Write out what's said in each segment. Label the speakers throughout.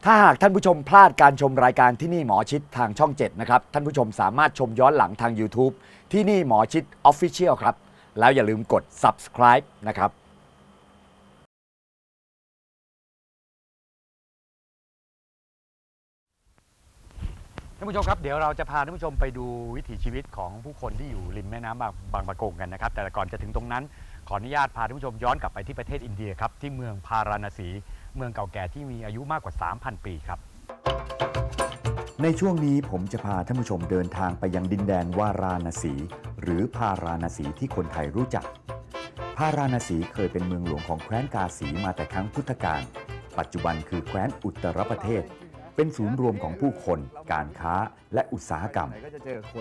Speaker 1: ถ้าหากท่านผู้ชมพลาดการชมรายการที่นี่หมอชิดทางช่อง 7 นะครับท่านผู้ชมสามารถชมย้อนหลังทาง YouTube ที่นี่หมอชิด Official ครับแล้วอย่าลืมกด subscribe นะครับท่านผู้ชมครับเดี๋ยวเราจะพาท่านผู้ชมไปดูวิถีชีวิตของผู้คนที่อยู่ริมแม่น้ำบางปะกงกันนะครับแต่ก่อนจะถึงตรงนั้นขออนุญาตพาท่านผู้ชมย้อนกลับไปที่ประเทศอินเดียครับที่เมืองพาราณสีเมืองเก่าแก่ที่มีอายุมากกว่า 3,000 ปีครับในช่วงนี้ผมจะพาท่านผู้ชมเดินทางไปยังดินแดนวาราณสีหรือพาราณสีที่คนไทยรู้จักพาราณสีเคยเป็นเมืองหลวงของแคว้นกาสีมาแต่ครั้งพุทธกาลปัจจุบันคือแคว้นอุตตรประเทศเป็นศูนย์รวมของผู้คนการค้าและอุตสาหกรรมก็จะเจอคน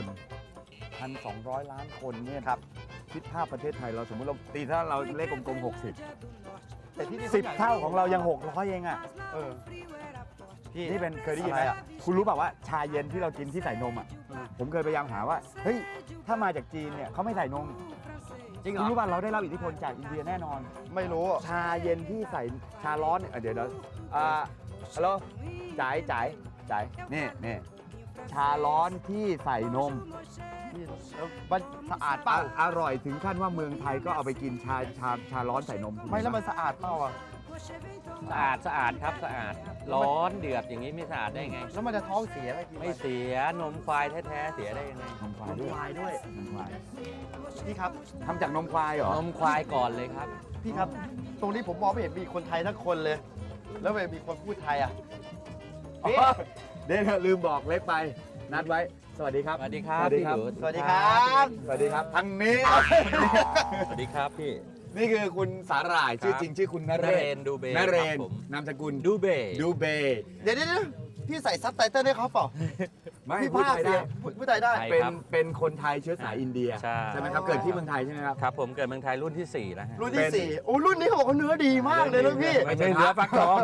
Speaker 1: 1,200 ล้านคนเนี่ยครับคิดภาพประเทศไทยเราสมมติเราตีถ้าเราเลขกลมๆ60แต่ที่10 เท่าของเรายัง600เองอ่ะพี่นี่เป็นเคยได้ยินไหมคุณรู้เปล่าว่าชาเย็นที่เรากินที่ใส่นมอ่ะผมเคยพยายามหาว่าเฮ้ยถ้ามาจากจีนเนี่ยเขาไม่ใส่นมจริงเหรอคุณรู้ป่ะเราได้รับอิทธิพลจากอินเดียแน่นอน
Speaker 2: ไม่รู้
Speaker 1: ชาเย็นที่ใส่ชาร้อนเนี่ยเดี๋ยวฮัลโหลจ่ายนี่ชาร้อนที่ใส่นม
Speaker 2: มันสะอาดเปล่า
Speaker 1: อร่อยถึงขั้นว่าเมืองไทยก็เอาไปกินชาร้อนใส่นม
Speaker 2: ไม่แล้วมันสะอาดเปล่าอ่ะ
Speaker 3: สะอาดครับสะอาดร้อนเดือดอย่างนี้ไม่สะอาดได้ไง
Speaker 2: แล้วมันจะท้องเสียไหม
Speaker 3: ไม่เสียนมควายแท้ๆเสียได้ยังไง
Speaker 1: นมควายด้วยนมควาย
Speaker 2: พี่ครับ
Speaker 1: ทำจากนมควายเหรอน
Speaker 3: มควายก่อนเลยครับ
Speaker 2: พี่ครับตรงนี้ผมมองไม่เห็นมีคนไทยทั้งคนเลยแล้วไม่มีคนพูดไทยอ่ะ
Speaker 1: เดี๋ยวลืมบอกเล็กไปนัดไว้สวัสดีครับ
Speaker 3: สวัสดีครับ
Speaker 2: สวัสดีครับ
Speaker 1: ทางนี้
Speaker 3: สวัสดีครับพี่
Speaker 1: นี่คือคุณสาหร่ายชื่อจริงชื่อคุณนเรศ
Speaker 3: ดูเบ
Speaker 1: นเรศนามสกุล
Speaker 3: ดูเบ
Speaker 2: เดี๋ยวพี่ใส่ซับไตเติ้ลให้เขาเปล่า
Speaker 1: ไม่พูดไทยได้
Speaker 2: พูดไทยได้
Speaker 1: เป็นคนไทยเชื้อสายอินเดียใช่ไหมครับเกิดที่เมืองไทยใช่ไหมครับ
Speaker 3: ครับผมเกิดเมืองไทยรุ่นที่4แล้ว
Speaker 2: รุ่นที่4โอ้รุ่นนี้เขาบอกว่าเนื้อดีมากเลยนะพี่
Speaker 3: ไม่ใช่เนื้อฟักทอง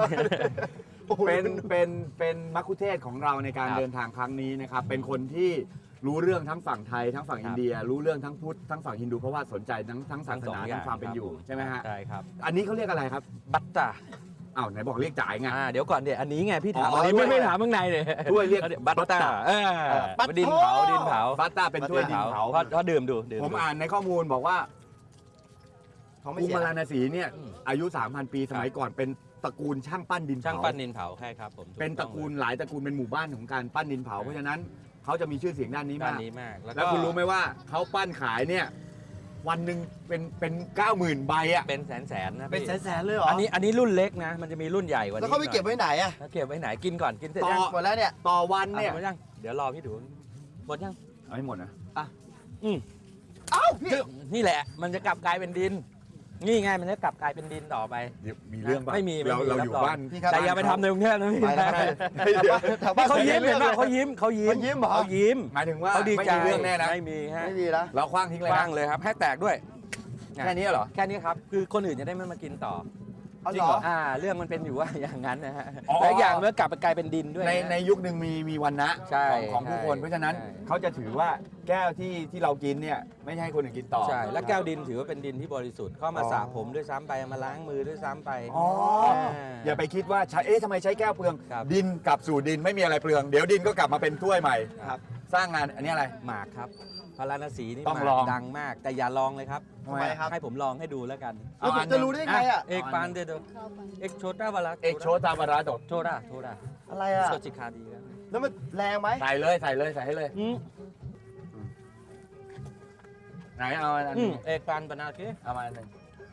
Speaker 1: เป็นมัคคุเทศก์ของเราในการเดินทางครั้งนี้นะครับเป็นคนที่รู้เรื่องทั้งฝั่งไทยทั้งฝั่งอินเดียรู้เรื่องทั้งพุทธทั้งฝั่งฮินดูเพราะว่าสนใจทั้งศาสนาทั้งความเป็นอยู่ใช่ไหมฮะ
Speaker 3: ใช่ครับ
Speaker 1: อันนี้เขาเรียกอะไรครับ
Speaker 3: บัตตา
Speaker 1: อ้าวไหนบอกเรียกจ่ายไง
Speaker 3: เดี๋ยวก่อนเดี๋ยวอันนี้ไงพี่ถามอันนี้ไม่ถามข้างในเลย
Speaker 1: ถ้วยเรียก
Speaker 3: บัตตาดินเผา
Speaker 1: บัตตาเป็นถ้วยดินเผา
Speaker 3: เพราะดื่มดู
Speaker 1: ผมอ่านในข้อมูลบอกว่าพาราณสีเนี่ยอายุ 3,000 ปีสมัยก่อนเป็นตระกูลช่างปั้นดินเผา
Speaker 3: ช่างปั้นดินเผาใช่ครับผม
Speaker 1: เป็นตระกูลหลายตระกูลเป็นหมู่บ้านของการปั้นดินเผาเพราะฉะนั้นเขาจะมีชื่อเสียงด้านนี้มากแล้วคุณรู้ไหมว่าเขาปั้นขายเนี่ยวันหนึ่งเป็น 90,000 ใบอ่ะ
Speaker 3: เป็นแสนนะ
Speaker 2: เป็นแสนเลยเหรอ
Speaker 3: อันนี้รุ่นเล็กนะมันจะมีรุ่นใหญ่กว่านี้
Speaker 2: แล้วเขาไปเก็บไว้ไหนอ่ะ
Speaker 3: เก็บไว้ไหนกินก่อนกินเสร็จยัง
Speaker 2: หมดแล้วเนี่ย
Speaker 1: ต่อวันเนี่ย
Speaker 3: หมดยังเดี๋ยวรอพี่ดูหมดยัง
Speaker 1: เอาให้หมดนะ
Speaker 2: เอ้าพี่
Speaker 3: นี่แหละมันจะกลับกลายเป็นดินนี่ไงมันจะกลับกลายเป็นดินต่อไป
Speaker 1: มีเรื่องป่ะ
Speaker 3: ไม่มี
Speaker 1: เราอยู่บ้าน
Speaker 3: แต่อย่าไปทำในกรุงเทพนะพี่เขายิ้มเห็นไหมเขายิ้ม
Speaker 1: หมายถึงว่า
Speaker 3: เขาดีใจ
Speaker 1: เรื่องแน่นะ
Speaker 3: ไม่มีฮะ
Speaker 2: นะ
Speaker 1: เราคว้างทิ้งเลย
Speaker 3: คว้างเลยครับให้แตกด้วย
Speaker 1: แค่นี้เหรอ
Speaker 3: แค่นี้ครับคือคนอื่นจะได้ไม่มากินต่อ
Speaker 2: จริงเหรอ
Speaker 3: เรื่องมันเป็นอยู่ว่าอย่างนั้นนะฮะและอย่างเมื่อกลับไปกลายเป็นดินด้วย
Speaker 1: ในยุคหนึ่งมีวันนะของผู้คนเพราะฉะนั้นเขาจะถือว่าแก้วที่เรากินเนี่ยไม่ใช่คนอื่นกินต่อ
Speaker 3: ใช่และแก้วดินถือว่าเป็นดินที่บริสุทธิ์เข้ามาสระผมด้วยซ้ำไปมาล้างมือด้วยซ้ำไป
Speaker 1: อย่าไปคิดว่าทำไมใช้แก้วเปลืองดินกลับสู่ดินไม่มีอะไรเปลืองเดี๋ยวดินก็กลับมาเป็นถ้วยใหม่
Speaker 3: ครับ
Speaker 1: สร้างงานอันนี้อะไร
Speaker 3: หมากครับพาราณสีนี่ดังมากแต่อย่าลองเลยครับ
Speaker 2: ทำไมครับ
Speaker 3: ให้ผมลองให้ดูแล้วกัน
Speaker 2: แล้วผมจะรู้ได้ไงอ่ะ
Speaker 3: เอกปานเดโดเอกโชตาวาระ
Speaker 1: เอกโชตาวาระ
Speaker 3: โทรา
Speaker 2: อะไรอ่ะ
Speaker 3: โชจิคาดี
Speaker 2: แล้วมันแรงไหม
Speaker 1: ใส่เลยใส่ให้เลยไหนเอาอันนี้
Speaker 3: เอกปานบานาเก
Speaker 1: เอามาอันนึง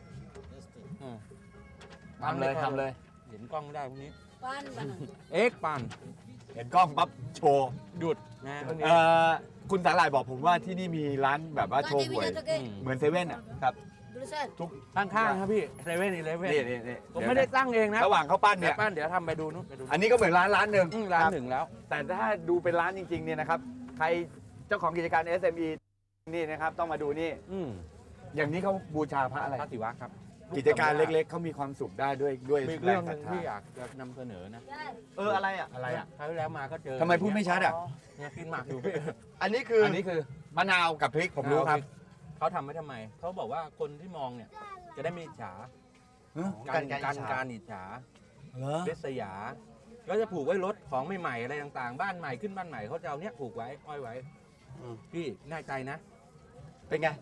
Speaker 1: ทำเลย
Speaker 3: เห็นกล้องไม่ได้พวกนี้เอกปาน
Speaker 1: เห็นกล้องปั๊บโชว์
Speaker 3: หยุดนะ
Speaker 1: คุณสาหร่ายบอกผมว่าที่นี่มีร้านแบบว่าโชว์หวยเหมือนเซเว่นอ่ะครับ
Speaker 3: ทุกข้างๆครับพี่เซเว่น11
Speaker 1: นี่
Speaker 3: ผมไม่ได้ตั้งเองนะ
Speaker 1: ระหว่างเขาปั้นเนี่ย
Speaker 3: เดี๋ยวทำไปดูนู้น
Speaker 1: อันนี้ก็เหมือนร้านหนึ่ง
Speaker 3: แล้ว
Speaker 1: แต่ถ้าดูเป็นร้านจริงๆเนี่ยนะครับใครเจ้าของกิจการ SME นี่นะครับต้องมาดูนี่อย่างนี้เขาบูชาพระอะไร
Speaker 3: พระศิวะครับ
Speaker 1: กิจการเล็กๆเขามีความสุขได้ด้วย
Speaker 3: เรื่องนึงที่อยากจะนำเสนอนะ
Speaker 2: อะไรอ่ะ
Speaker 3: คราวที่แล้วมาก็เจอ
Speaker 1: ทำไมพูดไม่ชัดอ่ะ
Speaker 3: เนี่ยกินหมากอยู่
Speaker 2: อันนี้คือ
Speaker 1: มะนาวกับพริกผมรู้ครับ
Speaker 3: เขาทำไว้ทำไมเขาบอกว่าคนที่มองเนี่ยจะได้ไม่อิจฉาการอิจฉาริษยาก็จะผูกไว้รถของใหม่ๆอะไรต่างๆ บ้านใหม่ขึ้นบ้านใหม่เขาจะเอาเนี้ยผูกไว้ห้อยไว้ พี่แน่ใจนะ
Speaker 2: เป็นไง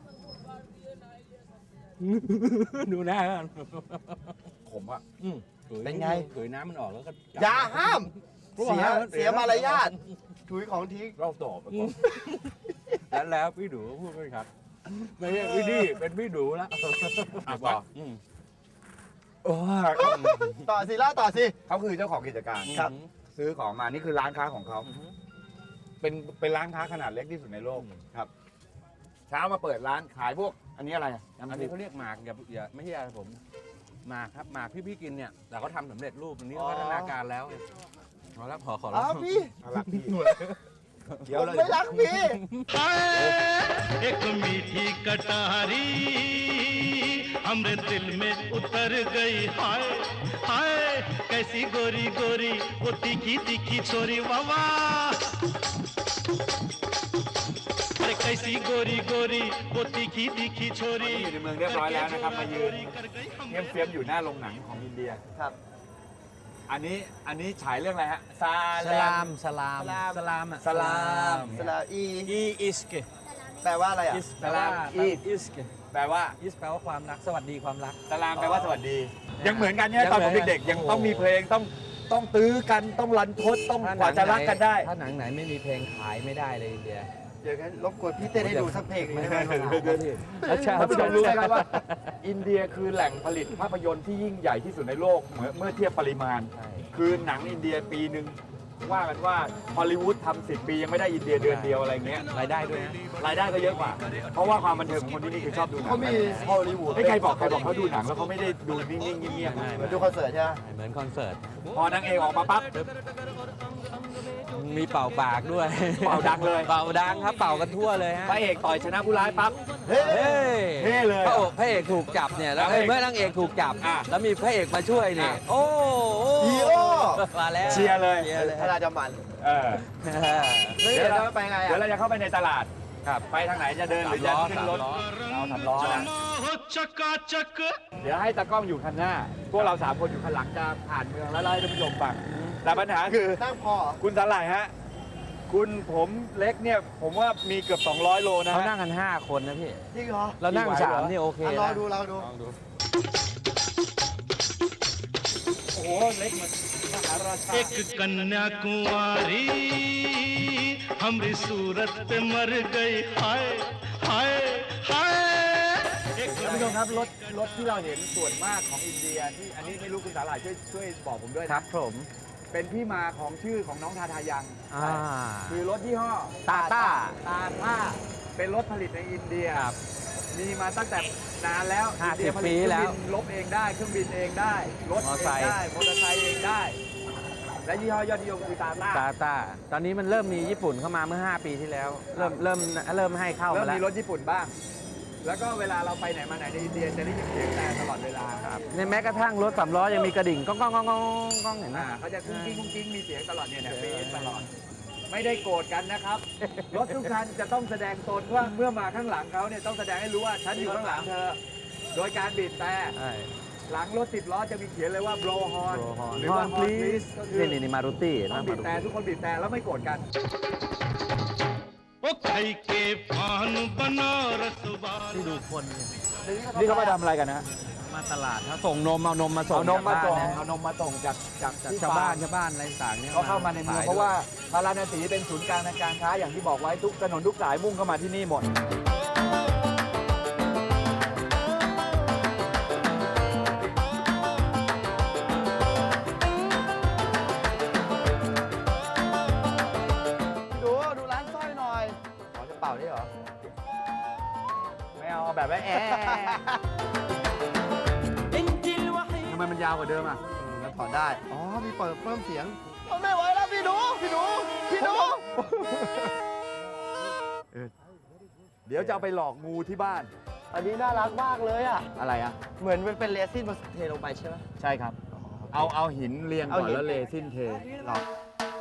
Speaker 3: ดูหน้ากัน
Speaker 4: ผมอะ
Speaker 2: เป็นไง
Speaker 3: ถุยน้ำมันออกแล้วก็
Speaker 2: อย่าห้าม เสียมารยาทถุยของทิ้ง
Speaker 4: เราตอบไปก่อน
Speaker 3: แล้วพี่ดูพูดไม่ครับไม่ใช่พี่ดีเป็นพี่ดูแล้ว
Speaker 4: ต่อ
Speaker 3: ม
Speaker 2: ต่อสิล่าต่อสิ
Speaker 4: เขาคือเจ้าของกิจการ
Speaker 2: ครับ
Speaker 4: ซื้อของมานี่คือร้านค้าของเขา เป็นร้านค้าขนาดเล็กที่สุดในโลกครับ เช้ามาเปิดร้านขายพวก อันนี้อะไรอะ
Speaker 3: อัน
Speaker 4: น้ำ
Speaker 3: นี้
Speaker 4: พริก
Speaker 3: เขาเรียกหมากอย่าไม่ใช่อะไรผมหมากครับหมากพี่กินเนี่ยแต่เขาทำสำเร็จรูปอันนี้พัฒนาการแล้วขอรับขอ
Speaker 2: อ้าวพี่
Speaker 4: รักพี่เคี้ย
Speaker 2: ผ
Speaker 4: ว
Speaker 2: ม
Speaker 4: เลย
Speaker 2: ไม่รักพี่
Speaker 5: एक मीठी कटारी हमरे दिल में उतर गई हाय हाय कैसी गोरी गोरी वो तीखी तीखी छोरी वावा अरे कैसी गोरी गोरी वो तीखी तीखी
Speaker 4: ตอน
Speaker 5: छोरी
Speaker 4: นี้อยู่ในเมืองเรียบร้อยแล้วนะครับ มายืนเยี่ยมเฟียมอยู่หน้าโรงหนังของอินเดีย
Speaker 2: ครับ
Speaker 4: อันนี้ฉายเรื่องอะไรฮะ
Speaker 3: สลามอ่ะ
Speaker 4: สลาม
Speaker 2: สลาอี
Speaker 3: อีอิสเก
Speaker 2: แปลว่าอะไรอ่ะ
Speaker 3: แปลว่า
Speaker 4: อิสแปลว่า
Speaker 3: อิสแปลว่าความรักสวัสดีความรัก
Speaker 4: สลามแปลว่าสวัสดี ยังเหมือนกันเนี่ยตอนผมเด็กๆยังต้องมีเพลงต้องตื้อกันต้องรันทดต้องกว่าจะรักกันได้
Speaker 3: ถ้าหนังไหนไม่มีเพลงขายไม่ได้เลยอินเดีย
Speaker 2: เดี๋ยวกันรบกวนพี่เต้นให้ดูสักเพลงได้ไหม
Speaker 4: ท่านผู้ชมรู้ไหมครับว่า อินเดียคือแหล่งผลิตภาพยนตร์ที่ยิ่งใหญ่ที่สุดในโลกเมื่อเทียบปริมาณ
Speaker 3: ใช่
Speaker 4: คือหนังอินเดียปีหนึ่งว่ากันว่าฮอลลีวูดทำ10 ปียังไม่ได้อินเดียเดือนเดียวอะไรเงี้ย
Speaker 3: รายได้ด้วยนะ
Speaker 4: รายได้ก็เยอะกว่า เพราะว่าความบันเทิงของคนที่นี่คือชอบดูหนัง
Speaker 2: เขามีฮอลลีวูด
Speaker 4: ไม่ใครบอกเขาดูหนังแล้วเขาไม่ได้ดูนิ่งๆเงียบ
Speaker 2: เหมือนดูคอนเสิร์ตใช่ไหม
Speaker 3: เหมือนคอนเสิร์ต
Speaker 4: ๆพอนางเอกออกมาปั๊บ
Speaker 3: มีเป่าปากด้วย
Speaker 4: เป่าดังเลย
Speaker 3: เป่าดังครับเป่ากันทั่วเลยฮะ
Speaker 4: พระเอกต่อยชนะผู้ร้ายปั๊บ
Speaker 2: เฮ้ย
Speaker 3: เฮ้ย
Speaker 4: เท่เลย
Speaker 3: พระเอกถูกจับเนี่ยแล้ว
Speaker 4: พระเอก
Speaker 3: เมื่อนางเอกถูกจับ
Speaker 4: อ่ะ
Speaker 3: แล้วมีพระเอกมาช่วยเนี่ย
Speaker 4: อ่ะ
Speaker 3: โอ้โห
Speaker 2: ฮีโร่
Speaker 3: มาแล้ว
Speaker 4: เชียร์เลย
Speaker 3: เชียร์เลย
Speaker 2: ถ้าเราจะมัน
Speaker 4: เออ
Speaker 2: เฮ้ยเดี๋ยวเราไปไง
Speaker 4: เดี๋ยว
Speaker 2: อ่ะ
Speaker 4: เราจะเข้าไปในตลาดครับไปทางไหนจะเดินหรือจะขึ้นรถเราทำล้อนะ
Speaker 5: हो चकाचक
Speaker 4: เดี๋ยวให้ตากล้องอยู่ข้างหน้า พวกเรา3 คนอยู่ข้างหลังจะผ่านเมืองแล้วไล่ท่านผู้ชมฟังแต่ปัญหาคือ
Speaker 2: นั่งพอเหรอ
Speaker 4: คุณสาหร่ายฮะ คุณผมเล็กเนี่ย ผมว่ามีเกือบ200 โลนะ
Speaker 3: เขา
Speaker 4: ฮะ
Speaker 3: นั่งกัน 5 คนนะพี่
Speaker 2: จริงเหรอ
Speaker 3: เรานั่ง
Speaker 4: พี่ไหวเหรอ
Speaker 3: 3นี่โอเค
Speaker 2: อ่ะ
Speaker 3: นะ
Speaker 2: รอดูเราดู
Speaker 3: ลองดู
Speaker 4: โอ้โห เล็กเหมือนมหาราชา
Speaker 5: एक कन्या कुंवारी हमरी सूरत पे मर गई हाय हाय हाय एक
Speaker 4: ท่านผู้ชมครับรถที่เราเห็นส่วนมากของอินเดียที่อันนี้ไม่รู้คุณสาหร่ายช่วยบอกผมด้วย
Speaker 3: ครั
Speaker 4: นะ
Speaker 3: บผม
Speaker 4: เป็นที่มาของชื่อของน้องทาทายัง
Speaker 3: อ่า
Speaker 4: คือรถยี่ห้อ
Speaker 3: ตาต้า
Speaker 4: ตาต้าเป็นรถผลิตในอินเดีย
Speaker 3: ครับ
Speaker 4: มีมาตั้งแต่นานแล้ว
Speaker 3: 50
Speaker 4: อินเดียผลิต
Speaker 3: ปีแล้ว
Speaker 4: เครื่องบินลบเองได้เครื่องบินเองได้รถ
Speaker 3: มอ
Speaker 4: เอ
Speaker 3: ไซ
Speaker 4: ง
Speaker 3: ค์
Speaker 4: ได้มอเตอร์ไซค์เองได้ และยี่ห้อยอดนิยมคือตาต้า
Speaker 3: ตาต้าตอนนี้มันเริ่มมีญี่ปุ่นเข้ามาเมื่อ 5 ปีที่แล้ว เริ่มให้เข้า
Speaker 4: เริ่
Speaker 3: มาม แล้ว
Speaker 4: มีรถญี่ปุ่นบ้าง แล้วก็เวลาเราไปไหนมาไหนในอินเดียจะได้ยินเสียงแต่ตลอดเวลาครับ
Speaker 3: ในแม้กระทั่งรถ3 ล้อยังมีกระดิ่งก้องก้องก้องก้องก้องเห็นไหม
Speaker 4: เขาจะกุ้งกิ้งกุ้งกิ้งมีเสียงตลอดเนี่ยเบสตลอด ไม่ได้โกรธกันนะครับ รถทุกคันจะต้องแสดงตนว่าเมื่อมาข้างหลังเขาเนี่ยต้องแสดงให้รู้ว่าฉันอยู่ข้างหลังเธอ โดยการบีบแต่
Speaker 3: ใช่
Speaker 4: หลังรถ10 ล้อจะมีเขียนเลยว่า blow horn หรือ
Speaker 3: ฮอ
Speaker 4: ว่า
Speaker 3: น
Speaker 4: horn
Speaker 3: พลีส
Speaker 4: please ก็คือ
Speaker 3: นี่มารุตี้
Speaker 4: ต้องบีบแต่ทุกคนบีบแต่แล้วไม่โกรธกัน
Speaker 5: ओ खाई के पान बनारस वाला
Speaker 3: ที่ดูคนเนี่ย
Speaker 4: นี่เขามาทำอะไรกันนะ
Speaker 3: มาตลาดเขาส่งนมเอานมมาส่ง
Speaker 4: เอานมมาส่ง
Speaker 3: จกบ้นนะ
Speaker 4: เอานมมาส่งจาก
Speaker 3: จาก
Speaker 4: ที่
Speaker 3: ชาวบ้าน
Speaker 4: ฟร์ม
Speaker 3: ชาวบ้านอะไรต่างๆเนี่ย
Speaker 4: เขาเข้ามาในเมือง
Speaker 3: ขย
Speaker 4: เพราะว่า
Speaker 3: ด้วย
Speaker 4: พาราณสีเป็นศูนย์กลางทางการค้าอย่างที่บอกไว้ทุกถนนทุกสายมุ่งเข้ามาที่นี่หมด
Speaker 2: ดูร้านสร้อยหน่อยขอจะเป่าได้เหรอ
Speaker 4: ไม่เอาแบบว่าแอะทำไมมันยาวกว่าเดิมอ่ะ
Speaker 2: มันถอดได้ อ๋อ มีเปิดเพิ่มเสียงไม่ไหวแล้วพี่หนู
Speaker 4: เดี๋ยวจะเอาไปหลอกงูที่บ้าน
Speaker 2: อันนี้น่ารักมากเลยอ่ะ
Speaker 4: อะไรอ่ะ
Speaker 2: เหมือนมันเป็นเรซินมาเทลงไปใช่ไหม
Speaker 4: ใช่ครับ เอาหินเรียงก่อน
Speaker 2: เอาหิน
Speaker 4: แล้วเลซินเท
Speaker 2: หรอ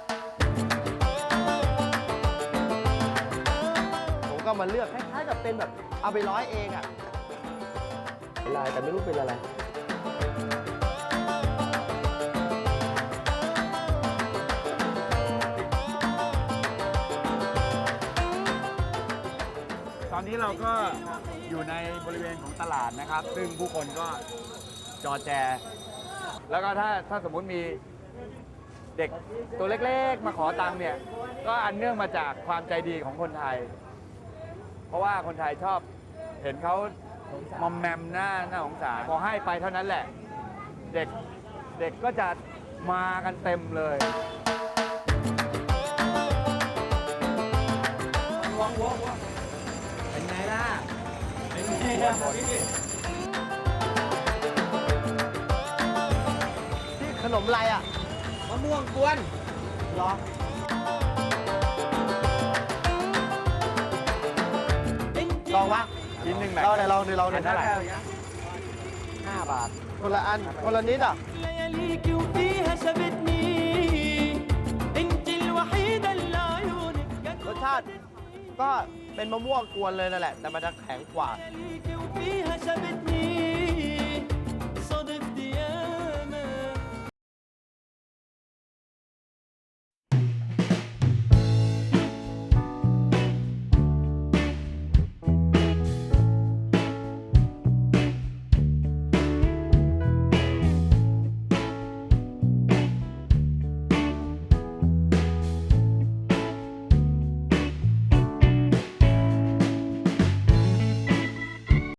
Speaker 2: ผมก็มาเลือกคล้ายๆกับเป็นแบบเอาไปร้อยเองอ่ะลายแต่ไม่รู้เป็นอะไร
Speaker 4: อนนี้เราก็อยู่ในบริเวณของตลาดนะครับ ซึ่งผู้คนก็จอแจ แล้วก็ถ้าสมมุติมีเด็กตัวเล็กๆ มาขอตังค์เนี่ย ก็อันเนื่องมาจากความใจดีของคนไทย เพราะว่าคนไทยชอบเห็นเขามอมแมมหน้าสงสารพอให้ไปเท่านั้นแหละ เด็กก็จะมากันเต็มเลย
Speaker 3: เป็นไงล่ะ
Speaker 2: ที่ขนมอะไรอ่ะ
Speaker 3: มะม่วงกวน
Speaker 2: เหรอ ลองวะ
Speaker 4: ชิ้นหนึ่งไหน
Speaker 2: ลองไหนลองดิลอง
Speaker 4: อันเท่าไหร่
Speaker 2: 5 บาท คนละอัน คนละนิดอ่ะ
Speaker 6: لياليك وفيها شبتني انت الوحيدة اللي عيونك
Speaker 2: รสชาติก็เป็นมะม่วงกวนเลยนั่นแหละ แต่มันจะแข็งกว่า
Speaker 6: لياليك وفيها شبتني